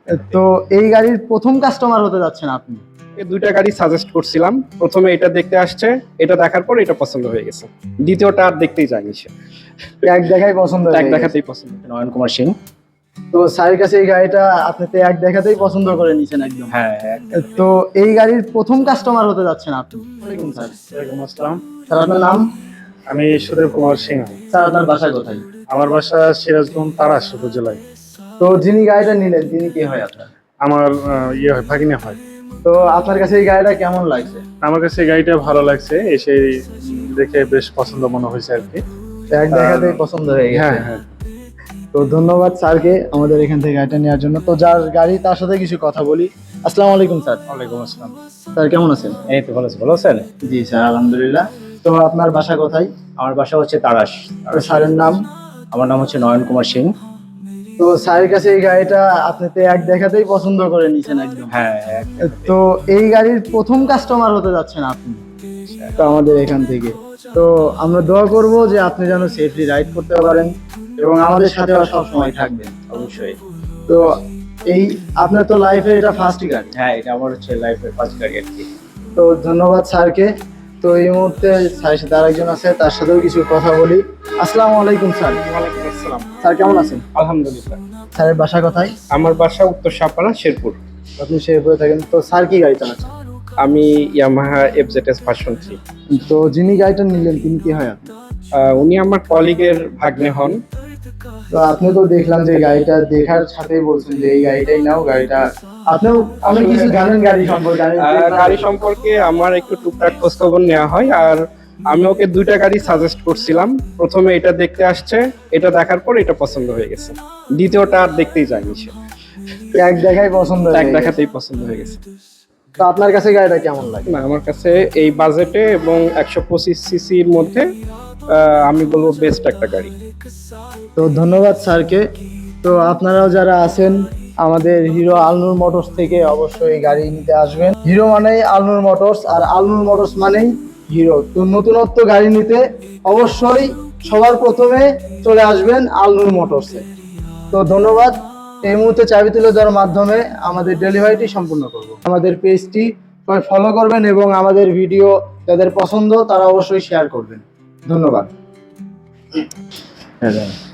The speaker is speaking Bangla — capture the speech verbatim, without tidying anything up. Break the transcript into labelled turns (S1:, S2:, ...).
S1: তো এই গাড়ির প্রথম কাস্টমার হতে যাচ্ছেন আপনি?
S2: এই দুইটা গাড়ি সাজেস্ট করছিলাম, প্রথমে এটা দেখতে আসছে, এটা দেখার পর এটা পছন্দ হয়ে গেছে, দ্বিতীয়টা আর দেখতেই যায়নি সে,
S1: এক দেখাই পছন্দ
S2: এক
S1: হয়ে গেছে।
S2: দেখাতেই পছন্দ।
S3: নয়ন কুমার সিং।
S1: তো স্যারের কাছে এই গাড়িটা আপনি তো এক দেখাতেই পছন্দ করে নিছেন একদম।
S3: হ্যাঁ,
S1: তো এই গাড়ির প্রথম কাস্টমার হতে যাচ্ছেন আপনি? ওয়ালাইকুম স্যার।
S4: ওয়ালাইকুম আসসালাম।
S1: স্যার আপনার নাম?
S4: আমি সুদেব কুমার সিং।
S1: স্যার আপনার বাসা কোথায়?
S4: আমার বাসা সিরাজগঞ্জ তারাস উপজেলায়।
S1: তো যিনি গাড়িটা নিলেন তিনি কে হয় আপনার?
S4: আমার আহ, ইয়ে হয়, ভাগিনা হয়।
S1: তো আপনার কাছে এই গাড়িটা কেমন লাগছে?
S4: আমার কাছে এই গাড়িটা ভালো লাগছে, এসে দেখে বেশ পছন্দ মনে হয়েছে আর কি।
S1: এক দেখাতেই পছন্দ হয়ে গেছে।
S4: হ্যাঁ হ্যাঁ।
S1: তো ধন্যবাদ স্যারকে আমাদের এখান থেকে গাড়িটা নেওয়ার জন্য। তো যার গাড়ি তার সাথে কিছু কথা বলি। আসসালামু আলাইকুম স্যার।
S4: ওয়ালাইকুম আসসালাম।
S1: স্যার কেমন আছেন?
S3: এই তো ভালো আছি, ভালো আছেন?
S1: জি স্যার আলহামদুলিল্লাহ। তো আপনার বাসা কোথায়?
S3: আমার বাসা হচ্ছে তারাস।
S1: তো স্যারের নাম?
S3: আমার নাম হচ্ছে নয়ন কুমার সিং।
S1: তো স্যারের কাছে এই গাড়িটা আপনি তো এক দেখাতেই পছন্দ করে নিছেন একদম।
S3: হ্যাঁ,
S1: তো এই গাড়ির প্রথম কাস্টমার হতে যাচ্ছেন আপনি তো আমাদের এখান থেকে। তো আমরা দোয়া করব যে আপনি যেন সেফলি রাইড করতে পারেন এবং আমাদের সাথে সব সময় থাকবেন।
S3: অবশ্যই।
S1: তো এই আপনার তো লাইফে এটা ফার্স্ট গাড়ি।
S3: হ্যাঁ, এটা আমার হচ্ছে লাইফের ফার্স্ট গাড়ি আর কি।
S1: তো ধন্যবাদ স্যারকে। তো এই মুহূর্তে স্যারের সাথে আরেকজন আছে, তার সাথেও কিছু কথা বলি। আসসালামু আলাইকুম স্যার।
S2: ওয়ালাইকুম আসসালাম।
S1: স্যার কেমন আছেন?
S2: আলহামদুলিল্লাহ।
S1: স্যারের বাসা কোথায়?
S2: আমার বাসা উত্তর সাপাড়া, শেরপুর।
S1: আপনি শেরপুরে থাকেন। তো স্যার কি গাড়ি চালাচ্ছেন?
S2: আমি ইয়ামাহা এফজেডএস ভার্সন থ্রি।
S1: তো যিনি গাড়িটা নিলেন তিনি কি হয় আপনি?
S2: উনি আমার কলিগের ভাগ্নে হন।
S1: তো আপনি তো দেখলাম যে গাড়িটা দেখার সাথেই বলছেন যে এই গাড়িটাই নাও। গাড়িটা আপনিও অনেক কিছু জানেন গাড়ি সম্পর্কে। আমি
S2: আহ, গাড়ি সম্পর্কে আমার একটু টুকটাক খোঁজ খবর নেওয়া হয়, আর আমি ওকে দুইটা গাড়ি সাজেস্ট করছিলাম, প্রথমে এটা দেখতে আসছে, এটা দেখার পর এটা পছন্দ হয়ে গেছে, দ্বিতীয়টা আর দেখতেই যায়নি সে,
S1: এক দেখাই পছন্দ হয়ে
S2: এক
S1: গেছে।
S2: দেখাতেই পছন্দ হয়ে গেছে।
S1: তো আপনার কাছে গাড়িটা কেমন লাগে?
S2: না, আমার কাছে এই বাজেটে এবং একশো পঁচিশ সিসির মধ্যে আহ, আমি বলবো বেস্ট একটা গাড়ি।
S1: তো ধন্যবাদ স্যারকে। তো আপনারাও যারা আছেন আমাদের হিরো আলনুর মোটরস থেকে অবশ্যই গাড়ি নিতে আসবেন। হিরো মানেই আলনুর মোটরস, আর আলনুর মোটরস মানেই হিরো। তো নতুনত্ব গাড়ি নিতে অবশ্যই সবার প্রথমে চলে আসবেন আলনুর মোটরসে। তো ধন্যবাদ। এই মুহূর্তে চাবি তুলে দেওয়ার মাধ্যমে আমাদের ডেলিভারিটি সম্পূর্ণ করব। আমাদের পেজটি সবাই ফলো করবেন এবং আমাদের ভিডিও যাদের পছন্দ তারা অবশ্যই শেয়ার করবেন। ধন্যবাদ।
S3: হ্যাঁ।